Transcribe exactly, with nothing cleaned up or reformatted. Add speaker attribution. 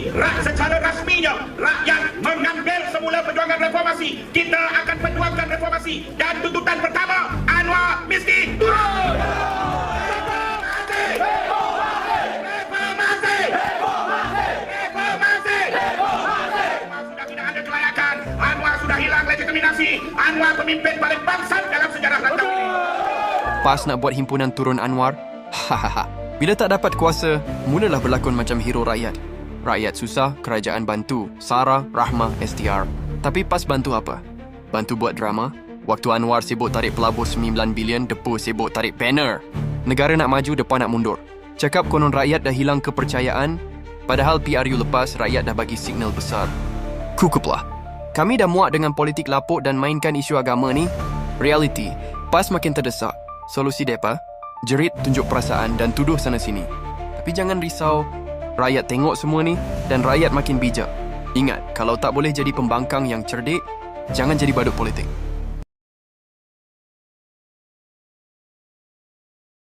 Speaker 1: rak secara rasminya rakyat mengambil semula perjuangan reformasi. Kita akan perjuangkan reformasi dan tuntutan pertama, Anwar miskin turun. Reformasi! Reformasi! Reformasi! Reformasi! Anwar sudah tidak ada kelayakan. Anwar sudah hilang legitimasi. Anwar pemimpin paling bangsat dalam sejarah rantau ini.
Speaker 2: PAS nak buat himpunan turun Anwar? Hahaha. Bila tak dapat kuasa, mulalah berlakon macam hero rakyat. Rakyat susah, kerajaan bantu. Sarah, Rahmah, S T R. Tapi PAS bantu apa? Bantu buat drama? Waktu Anwar sibuk tarik pelabur sembilan bilion, Depa sibuk tarik banner. Negara nak maju, depan nak mundur. Cakap konon rakyat dah hilang kepercayaan, padahal P R U lepas rakyat dah bagi signal besar. Kukuplah. Kami dah muak dengan politik lapuk dan mainkan isu agama ni. Reality, PAS makin terdesak. Solusi depa? Jerit, tunjuk perasaan dan tuduh sana sini. Tapi jangan risau, rakyat tengok semua ni dan rakyat makin bijak. Ingat, kalau tak boleh jadi pembangkang yang cerdik, jangan jadi badut politik.